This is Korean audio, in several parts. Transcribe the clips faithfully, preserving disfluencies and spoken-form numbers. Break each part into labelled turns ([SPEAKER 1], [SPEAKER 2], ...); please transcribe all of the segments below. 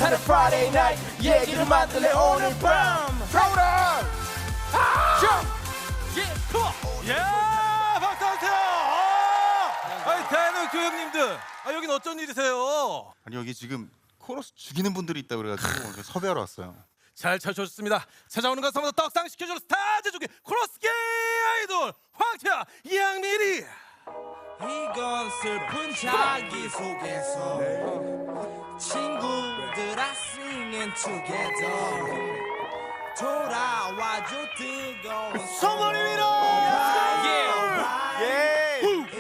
[SPEAKER 1] 하는 Friday night 얘기를 만들래 오늘 밤 프로그램
[SPEAKER 2] 예, 박상태! 아, 아니 대한민국 교육님들, 아 여긴 어쩐 일이세요?
[SPEAKER 3] 아니 여기 지금 코러스 죽이는 분들이 있다 그래가지고 오늘 섭외하러 왔어요.
[SPEAKER 2] 잘 찾아오셨습니다. 찾아오는 것마다 떡상 시켜줄 스타 제조기 코러스계 아이돌 황태야, 이양미리.
[SPEAKER 1] 이건 슬픈 자기소개서 친구들아 singing together 돌아와줘 뜨거운
[SPEAKER 2] 소머리 위로.
[SPEAKER 1] 예.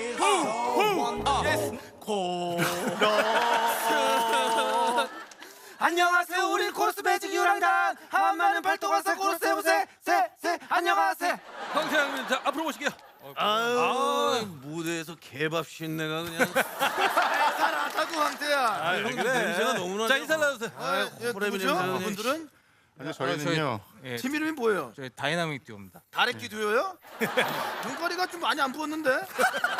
[SPEAKER 1] 안녕하세요 우리 코러스 매직 유랑단 한마는 발동화사 코러스 해보세 세세 안녕하세요
[SPEAKER 2] 황태야 형님, 자 앞으로 모실게요.
[SPEAKER 4] 아유, 무대에서 개밥 신내가 그냥
[SPEAKER 5] 잘하다고 황태야.
[SPEAKER 4] 아, 형 냄새가 너무나
[SPEAKER 2] 자 인사 나주세요.
[SPEAKER 5] 아, 예,
[SPEAKER 4] 호레미
[SPEAKER 5] 누구죠?
[SPEAKER 4] 냄새가
[SPEAKER 5] 분들은
[SPEAKER 3] 아니 저희는요.
[SPEAKER 6] 예,
[SPEAKER 5] 팀 이름이 뭐예요?
[SPEAKER 6] 저희 다이나믹 듀오입니다.
[SPEAKER 5] 다래끼 듀오요? 눈가리가 좀 많이 안 부었는데?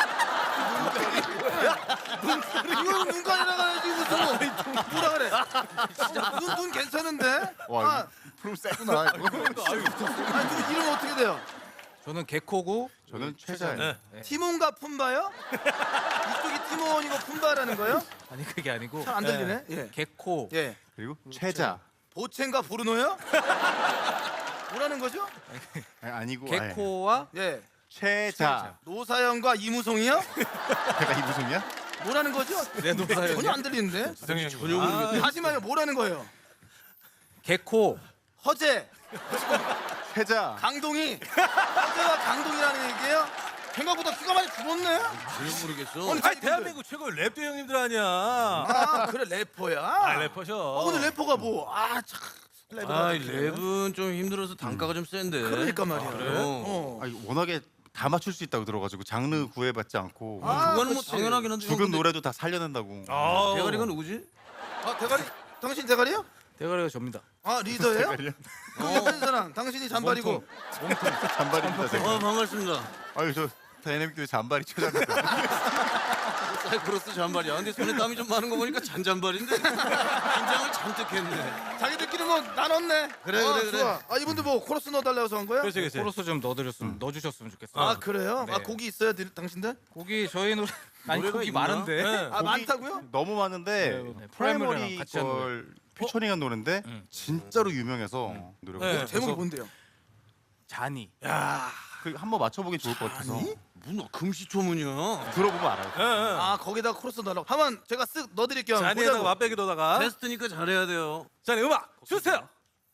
[SPEAKER 5] 이건 눈가리라고 해야지 무슨 뭐 뭐라 그래? 눈, 눈 괜찮은데?
[SPEAKER 3] 와
[SPEAKER 5] 아,
[SPEAKER 3] 프로 세구나. 이거.
[SPEAKER 5] 아니 누구 이름 어떻게 돼요?
[SPEAKER 6] 저는 개코고
[SPEAKER 3] 저는 최자예요.
[SPEAKER 5] 티몬과 푼바요? 이쪽이 티몬이고 푼바라는 거예요?
[SPEAKER 6] 아니 그게 아니고
[SPEAKER 5] 잘 안 들리네. 예.
[SPEAKER 6] 개코
[SPEAKER 5] 예.
[SPEAKER 3] 그리고 최자.
[SPEAKER 5] 보첸과 브루노요? 뭐라는 거죠?
[SPEAKER 3] 아니, 아니고 아예.
[SPEAKER 6] 개코와
[SPEAKER 5] 예.
[SPEAKER 3] 최자.
[SPEAKER 5] 노사연과 이무송이요?
[SPEAKER 3] 내가 이무송이야?
[SPEAKER 5] 뭐라는 거죠?
[SPEAKER 6] 네, 노사연이요?
[SPEAKER 5] 전혀 안 들리는데?
[SPEAKER 4] 전혀 모르겠네.
[SPEAKER 5] 다시 말해 뭐라는 거예요?
[SPEAKER 6] 개코
[SPEAKER 5] 허재,
[SPEAKER 3] 최자.
[SPEAKER 5] 강동이 허재와 강동이라는 얘기예요? 생각보다 키가 많이 줄었네?
[SPEAKER 4] 전혀 모르겠어.
[SPEAKER 5] 아니,
[SPEAKER 2] 아니 대한민국 최고의 랩도 형님들 아니야.
[SPEAKER 5] 아 그래 래퍼야?
[SPEAKER 2] 아 래퍼셔.
[SPEAKER 5] 어, 오늘 래퍼가 뭐? 아참 래퍼가
[SPEAKER 4] 아,
[SPEAKER 5] 좀
[SPEAKER 4] 랩은 좀 힘들어서 단가가 좀 센데.
[SPEAKER 5] 그러니까 말이야.
[SPEAKER 4] 그래요?
[SPEAKER 5] 어.
[SPEAKER 3] 아니 워낙에 다 맞출 수 있다고 들어가지고 장르 구애받지 않고
[SPEAKER 5] 아,
[SPEAKER 4] 그거는 뭐
[SPEAKER 5] 그치.
[SPEAKER 4] 당연하긴 한데.
[SPEAKER 3] 죽은 노래도 다 살려낸다고.
[SPEAKER 2] 아,
[SPEAKER 4] 대가리가 누구지?
[SPEAKER 5] 아 대가리 당신 대가리요?
[SPEAKER 6] 대가리가 접니다.
[SPEAKER 5] 아 리더예요?
[SPEAKER 3] 대가리요?
[SPEAKER 5] 그 옆에 사람 당신이 잔발이고
[SPEAKER 3] 잔발입니다 제가.
[SPEAKER 4] 어, 반갑습니다.
[SPEAKER 3] 아유 저 다이내믹 듀오 잔발이 최자입니다.
[SPEAKER 4] 사이코로스 잔발이야. 근데 손에 땀이 좀 많은 거 보니까 잔잔발인데 긴장을 잔뜩 했네.
[SPEAKER 5] 자기들끼리 뭐 나눴네.
[SPEAKER 4] 그래,
[SPEAKER 5] 아,
[SPEAKER 4] 그래, 그래.
[SPEAKER 5] 좋아. 아 이분들 뭐 코러스 넣어달라고 한 거야?
[SPEAKER 2] 그렇지 그렇지.
[SPEAKER 6] 코러스 좀 넣어드렸으면 넣어주셨으면 좋겠어요.
[SPEAKER 5] 아 그래요?
[SPEAKER 6] 네.
[SPEAKER 5] 아 곡이 있어요 들- 당신들?
[SPEAKER 6] 곡이 저희 노래 아니
[SPEAKER 4] 노래가
[SPEAKER 6] 곡이
[SPEAKER 4] 있나?
[SPEAKER 6] 많은데
[SPEAKER 2] 네.
[SPEAKER 5] 아
[SPEAKER 3] 곡이
[SPEAKER 5] 많다고요?
[SPEAKER 3] 너무 많은데
[SPEAKER 6] 네, 네.
[SPEAKER 3] 프라이머리
[SPEAKER 6] 프라이머리랑 같이 한
[SPEAKER 3] 걸 피처링한 노래인데 진짜로 유명해서 노래가
[SPEAKER 2] 네.
[SPEAKER 3] 그래서
[SPEAKER 5] 제목이 뭔데요?
[SPEAKER 6] 자니.
[SPEAKER 3] 그 한번 맞춰보기 좋을 것 같아서
[SPEAKER 4] 무슨 금시초문이야.
[SPEAKER 3] 들어보면 알아요.
[SPEAKER 2] 예, 예.
[SPEAKER 5] 아 거기다 코러스 넣으라고 한번 제가 쓱 넣어드릴게요. 한번
[SPEAKER 2] 잔이에다가
[SPEAKER 5] 보자고.
[SPEAKER 2] 맛배기로다가.
[SPEAKER 4] 테스트니까 잘해야 돼요.
[SPEAKER 2] 자, 네, 음악 주세요.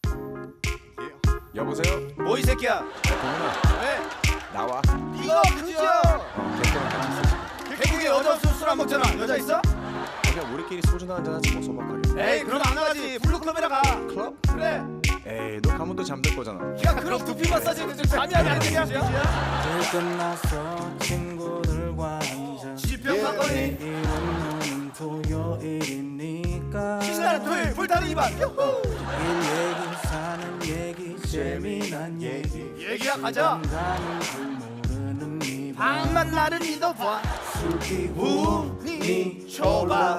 [SPEAKER 7] 여보세요?
[SPEAKER 5] 뭐 이 새끼야?
[SPEAKER 7] 동훈아
[SPEAKER 5] 왜?
[SPEAKER 7] 나와.
[SPEAKER 5] 이거 그죠? 개국에 여자 없으면 술 안 먹잖아. 여자 있어?
[SPEAKER 7] 그냥 우리끼리 소주나 한잔 하지 뭐 소박하게.
[SPEAKER 5] 에이 그럼 안 가지. 블루클럽이나 가. 클럽? 그래.
[SPEAKER 7] 에이 너 가면 또 잠들 거잖아.
[SPEAKER 5] 야 그럼 두피 마사지는 좀 잠이 안 되는 얘기야?
[SPEAKER 8] 일 끝나서 친구들과 한잔
[SPEAKER 5] 지평 사건이
[SPEAKER 8] 이런 토요일이니까
[SPEAKER 5] 신나는 토요일 불타는 이반. 유후.
[SPEAKER 8] 일 얘기 사는 얘기 재미난 얘기
[SPEAKER 5] 얘기야 가자.
[SPEAKER 8] 가는 줄 모르는 이밤
[SPEAKER 5] 밤만 나를 믿어봐.
[SPEAKER 8] 술기
[SPEAKER 5] 우니 초밥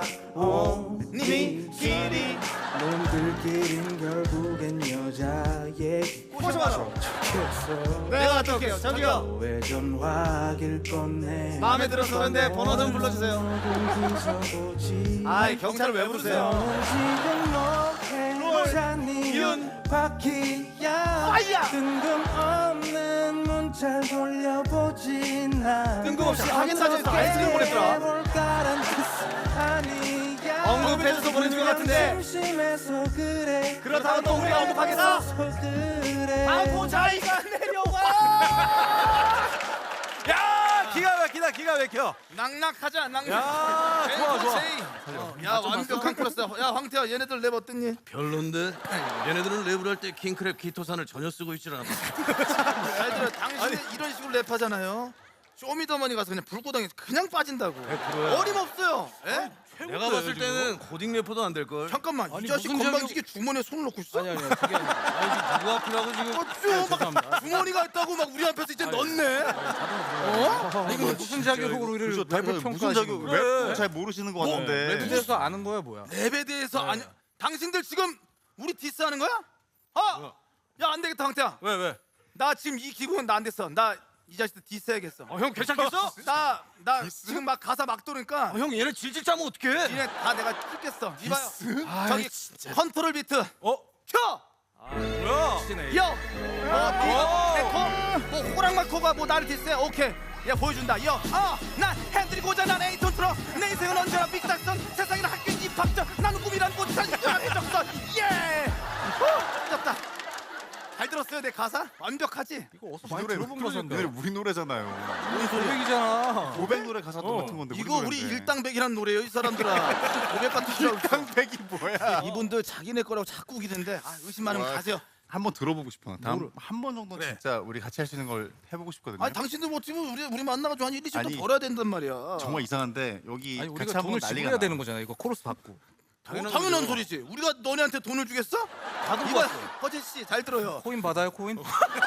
[SPEAKER 5] 니끼리
[SPEAKER 8] 놈들끼린 결국엔 여자 얘기
[SPEAKER 5] 꼬셔 마셔.
[SPEAKER 8] 겠어
[SPEAKER 5] 내가 갔다 올게요. 저기요.
[SPEAKER 8] 왜 전화길 건네
[SPEAKER 5] 마음에 들어서 그런데 번호 좀 불러주세요.
[SPEAKER 8] 거기서
[SPEAKER 5] 아이 경찰을 왜 부르세요?
[SPEAKER 8] 지금 너 행자니
[SPEAKER 5] 윤.
[SPEAKER 8] 바퀴야
[SPEAKER 5] 아이야.
[SPEAKER 8] 뜬금없는 문자 돌려보진 않아
[SPEAKER 5] 뜬금없이 하겐다즈에서 아이스크림 보냈더라.
[SPEAKER 8] 볼까란 뜻 아니야
[SPEAKER 5] 언급해줘서 보내준 것 같은데.
[SPEAKER 8] 심심해서 그래
[SPEAKER 5] 그렇다고 또 우리가 언급하겠어?
[SPEAKER 8] 그래
[SPEAKER 5] 아고 자기가 내려와.
[SPEAKER 2] 야, 기가 막히다, 기가 막혀.
[SPEAKER 5] 낙낙하자 낙낙.
[SPEAKER 2] 야, 좋아, 좋아.
[SPEAKER 5] 어, 야 완벽한 코러스. 야 황태야 얘네들 랩 어땠니?
[SPEAKER 4] 별론데? 얘네들은 랩을 할 때 킹크랩 기토산을 전혀 쓰고 있질 않아.
[SPEAKER 5] 잘 들어. 당신이 이런 식으로 랩하잖아요. 쇼미더머니 가서 그냥 불구덩이 그냥 빠진다고. 어림없어요. 예?
[SPEAKER 4] 내가 봤을 때는 고딩 래퍼도 안 될 걸.
[SPEAKER 5] 잠깐만 이
[SPEAKER 4] 아니,
[SPEAKER 5] 자식
[SPEAKER 4] 무슨
[SPEAKER 5] 건방지게 주머니에 손을 넣고 있어?
[SPEAKER 6] 아니 아니 그게 아니라
[SPEAKER 4] 아니 누구 앞이라고 지금.
[SPEAKER 5] 어쭈 막 주머니가 있다고 막 우리 앞에서 이제 넣네. 어?
[SPEAKER 6] 이거 무슨 자격으로 우리를
[SPEAKER 3] 그래서
[SPEAKER 6] 랩을
[SPEAKER 3] 무슨
[SPEAKER 6] 평가하시는
[SPEAKER 3] 자격
[SPEAKER 6] 거예요?
[SPEAKER 3] 랩 잘 모르시는 것 같은데.
[SPEAKER 6] 랩에서 아는 거야 뭐야?
[SPEAKER 5] 랩에 대해서 아니 당신들 지금 우리 디스하는 거야? 아, 야 안 되겠다 황태야.
[SPEAKER 2] 왜 왜?
[SPEAKER 5] 나 지금 이 기분은 나 안 됐어. 나 이 자식들 디스해야겠어.
[SPEAKER 2] 어, 형 괜찮겠어?
[SPEAKER 5] 나 나 지금 막 가사 막 도니까
[SPEAKER 4] 형 얘네 질질 짜면 어떡해?
[SPEAKER 5] 니네 다 내가 찍겠어. 이봐요. 저기 컨트롤 비트
[SPEAKER 2] 어?
[SPEAKER 5] 켜.
[SPEAKER 2] 뭐야?
[SPEAKER 5] 여. 뭐 에코 뭐 호랑마코가 뭐 나를 디스해. 오케이. 야 보여준다. 여. 아난 핸들이고자 난 에이톤 틀어. 내 인생은 언제나 빅닥선. 세상에는 학교 입학전. 나는 꿈이란 꽃산 해적선. 예. 후, 잡다. 잘 들었어요 내 가사? 완벽하지?
[SPEAKER 6] 이거 어디서
[SPEAKER 3] 이
[SPEAKER 6] 많이
[SPEAKER 3] 노래
[SPEAKER 6] 들어본
[SPEAKER 3] 이
[SPEAKER 6] 가사인데.
[SPEAKER 3] 노래 우리 노래잖아요.
[SPEAKER 6] 우리 고백이잖아.
[SPEAKER 3] 고백 노래 가사도 같은 건데.
[SPEAKER 5] 이거 우리 일당백이란 노래예요 이 사람들아. 고백 같은 줄 알고.
[SPEAKER 3] 일당백이 뭐야?
[SPEAKER 5] 이분들 자기네 거라고 자꾸 우기는데 아, 의심 많으면 가세요.
[SPEAKER 3] 한번 들어보고 싶어. 다음 한 번 정도 는 진짜 우리 같이 할 수 있는 걸 해보고 싶거든요.
[SPEAKER 5] 아니 당신들 뭐 지금 우리 우리 만나가지고 한 일, 이십도
[SPEAKER 3] 아니,
[SPEAKER 5] 벌어야 된단 말이야.
[SPEAKER 3] 정말 이상한데 여기
[SPEAKER 6] 아니
[SPEAKER 3] 같이
[SPEAKER 6] 우리가
[SPEAKER 3] 한번
[SPEAKER 6] 돈을
[SPEAKER 3] 난리가
[SPEAKER 6] 지불해야
[SPEAKER 3] 나.
[SPEAKER 6] 되는 거잖아. 이거 코러스 받고.
[SPEAKER 5] 당연한, 당연한 소리지. 우리가 너네한테 돈을 주겠어? 이거 허재 씨 잘 들어요.
[SPEAKER 6] 코인 받아요 코인?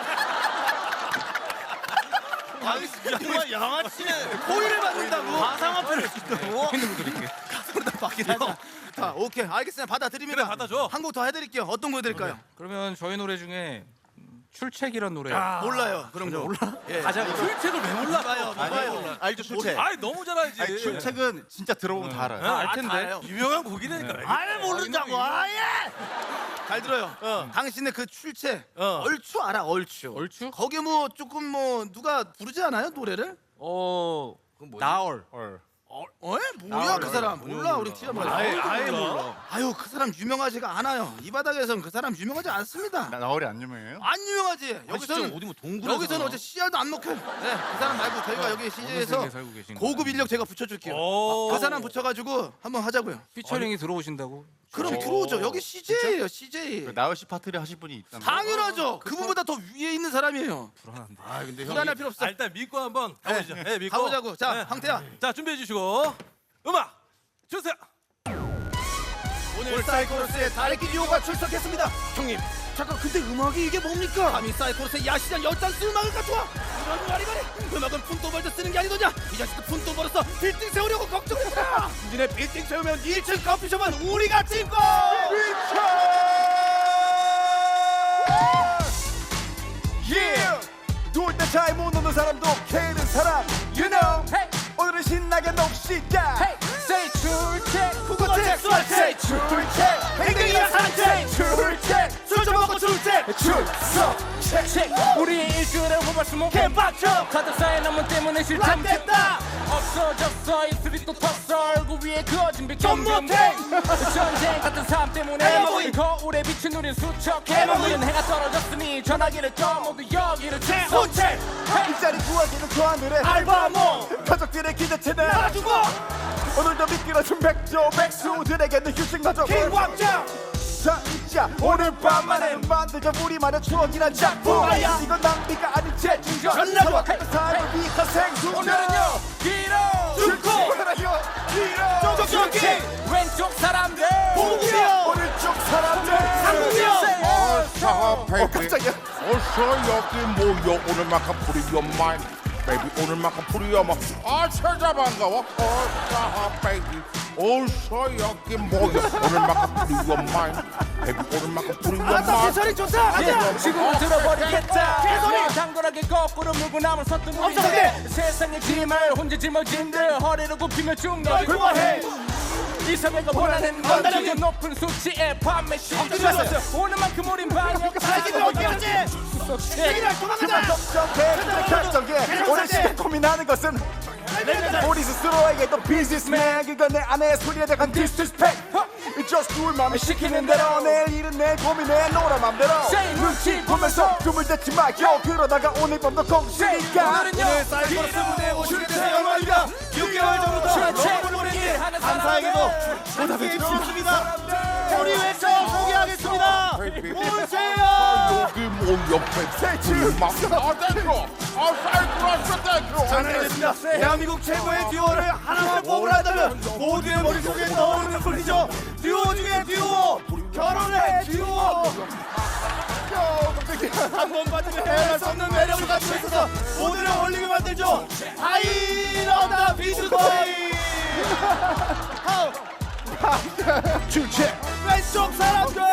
[SPEAKER 4] 정말 양아치네.
[SPEAKER 5] 코인을 받는다고.
[SPEAKER 4] 가상화폐를 준다고?
[SPEAKER 6] 코인으로 드릴게.
[SPEAKER 5] 가서다 받긴 하자. 자, 오케이 알겠습니다. 받아드립니다.
[SPEAKER 2] 그래, 받아줘.
[SPEAKER 5] 한 곡 더 해드릴게요. 어떤 거 해드릴까요?
[SPEAKER 6] 그러면 저희 노래 중에 음, 출첵이란 노래.
[SPEAKER 5] 몰라요. 그런 거 몰라? 예.
[SPEAKER 2] 가자. 출첵을 왜 몰라?
[SPEAKER 5] 봐요, 봐요.
[SPEAKER 3] 알죠 출첵.
[SPEAKER 2] 아이 너무 잘 알지.
[SPEAKER 3] 아니 출첵은 진짜 들어보면 다 알아요.
[SPEAKER 2] 알
[SPEAKER 5] 아,
[SPEAKER 2] 텐데.
[SPEAKER 5] 다 알아요.
[SPEAKER 2] 유명한 곡이라니까.
[SPEAKER 5] 알 모른다고. 아예. 잘 들어요. 당신의 그 출첵 얼추 알아 얼추.
[SPEAKER 6] 얼추?
[SPEAKER 5] 거기 뭐 조금 뭐 누가 부르지 않아요 노래를?
[SPEAKER 6] 어 나얼.
[SPEAKER 5] 어? 어? 뭐야 그 사람 몰라 우리 티가 몰라.
[SPEAKER 2] 아예 아예 몰라.
[SPEAKER 5] 아유 그 사람 유명하지가 않아요. 이 바닥에서는 그 사람 유명하지 않습니다.
[SPEAKER 3] 나 나월이 안 유명해요?
[SPEAKER 5] 안 유명하지. 여기서는
[SPEAKER 4] 어디 뭐 동굴에서
[SPEAKER 5] 여기서는 어제 씨알도 안 먹혀요. 네, 그 사람 말고 저희가 여기 씨제이에서
[SPEAKER 6] 세계에 살고 계신
[SPEAKER 5] 고급
[SPEAKER 6] 거야.
[SPEAKER 5] 인력 제가 붙여줄게요.
[SPEAKER 2] 오.
[SPEAKER 5] 그 사람 붙여가지고 한번 하자고요.
[SPEAKER 6] 피처링이 들어오신다고?
[SPEAKER 5] 그럼 들어오죠. 여기 씨제이예요, 씨제이.
[SPEAKER 3] 나월 씨 파트를 하실 분이 있다는 거.
[SPEAKER 5] 당연하죠. 그분보다 더 위에 있는 사람이에요.
[SPEAKER 6] 불안한데.
[SPEAKER 4] 아 근데 형
[SPEAKER 5] 불안할 필요 없어.
[SPEAKER 2] 아, 일단 믿고 한번 가보시죠. 네, 믿고.
[SPEAKER 5] 가보자고. 자,
[SPEAKER 2] 네.
[SPEAKER 5] 황태야.
[SPEAKER 2] 자 준비해 주시고 음악 주세요.
[SPEAKER 5] 오늘 사이코로스의 다래끼 듀오가 출석했습니다. 형님, 잠깐 근데 음악이 이게 뭡니까? 감히 사이코로스의 야시장 열잔스 음악을 갖춰와? 이런 말이 말이 음악은 푼돈 벌자 쓰는 게 아니더냐? 이 자식들 푼돈 벌어서 빌딩 세우려고 걱정했구나. 니네 빌딩 세우면 일 층 커피숍은 우리가 찍고.
[SPEAKER 7] Yeah! 돌 때 잘 못 노는 사람도 캐는 사람 You know 오늘은 신나게 놉시다
[SPEAKER 6] Say 출첵.
[SPEAKER 5] 구구책 수학책
[SPEAKER 7] 출첵
[SPEAKER 5] 행동이야 산책
[SPEAKER 7] 출첵
[SPEAKER 5] 술 좀 먹고 출첵
[SPEAKER 7] 출석
[SPEAKER 6] 책 우리의 일주일을 호발수목
[SPEAKER 5] 개빡쳐
[SPEAKER 6] 가득 쌓인 업무 때문에 실참
[SPEAKER 5] 됐다
[SPEAKER 6] 없어졌어 입술이 또 텄어 얼굴 위에 그어진 빛
[SPEAKER 5] 좀
[SPEAKER 6] 점점
[SPEAKER 5] 못해.
[SPEAKER 6] 전쟁 같은 삶 때문에
[SPEAKER 5] 해먹이.
[SPEAKER 6] 거울에 비친 우린 수척
[SPEAKER 5] 해먹이.
[SPEAKER 6] 해먹은 해가 떨어졌으니 전화기를 꺼 모두 여기를 채워
[SPEAKER 5] 혼책
[SPEAKER 7] 일자리 구하기는 저 하늘에
[SPEAKER 5] 알바모
[SPEAKER 7] 가족들의 기대치는
[SPEAKER 5] 놔두고
[SPEAKER 7] 오늘도 미끄러진 백조 백수들에게는 휴식마저
[SPEAKER 5] 킹광장
[SPEAKER 7] 자 이자 오늘 밤만에 만들자 우리만의 추억이란 작품
[SPEAKER 5] 뭐야?
[SPEAKER 7] 이건 낭비가 아닌 재충전
[SPEAKER 5] 전라도.
[SPEAKER 7] 삶을 위한 생수전
[SPEAKER 6] 오늘은요 길어
[SPEAKER 5] 줄코
[SPEAKER 7] 오늘은요 길어
[SPEAKER 5] 쪽쪽기
[SPEAKER 6] 왼쪽 사람들
[SPEAKER 5] 보구요
[SPEAKER 7] 오른쪽 사람들
[SPEAKER 5] 상구요
[SPEAKER 9] 어서
[SPEAKER 7] 어
[SPEAKER 9] 베이비
[SPEAKER 7] 깜짝이야
[SPEAKER 9] 어서 여기 모여 오늘만큼 프리어 마인 베이비 오늘만큼 프리어 마인 아 찾아 반가워 어서 베이비 어서 여기 모여 오늘만큼 프리어 마인 베이비 오늘만큼 프리어
[SPEAKER 5] 아따
[SPEAKER 9] 마인
[SPEAKER 5] 제철이 좋다 가자
[SPEAKER 6] 지금은 들어버리겠다
[SPEAKER 5] 개소리!
[SPEAKER 6] 당돌하게 거꾸로 물고 남은 서툰
[SPEAKER 5] 엄청나게!
[SPEAKER 6] 우리들 세상의 짐을 혼자 짊어진들 허리를 굽히며 중력이
[SPEAKER 5] 그만해
[SPEAKER 6] 이 사회가 원하는 건
[SPEAKER 5] 원하는
[SPEAKER 6] 지금 높은 수치의 판매
[SPEAKER 5] 엄청
[SPEAKER 6] 시중
[SPEAKER 5] 좋았어요.
[SPEAKER 6] 오늘만큼 우린 반역
[SPEAKER 5] 자기들 어디 갔지 자기들 도망가자
[SPEAKER 7] 결정해 결정해 오늘 시간 고민하는 것은 우리 스스로에게도 비즈니스맨 그건 내 아내의 소리에 대한 디스리스펙트 It's just do it 맘이 시키는 대로 내일 일은 내 고민해 놀아 맘대로 눈치 보면서 꿈을 대지 마요 그러다가 오늘 밤도 공식이니까
[SPEAKER 6] 오늘은요
[SPEAKER 5] 사이코로스 무대에 오시게 돼서 영광입니다 육 개월 전부터 여러분 우리에게 감사하게도 보답해 주셨습니다 우리 외쳐 소개하겠습니다 오세요
[SPEAKER 9] 여기 모여 베이비 막 아대로 아 사이클러스 대로
[SPEAKER 5] 잘해냈습니다 대한민국 최고의 듀오를 하나만 뽑으라면 모두의 머릿속에 떠오르는 분이죠 듀오 중에 듀오 결혼해 듀오 한 번 받으면 헤어날 수 없는 매력을 가지고 있어서 모두를 홀리게 만들죠 하이러다 비트코인
[SPEAKER 7] 주체
[SPEAKER 5] 왼쪽 사람들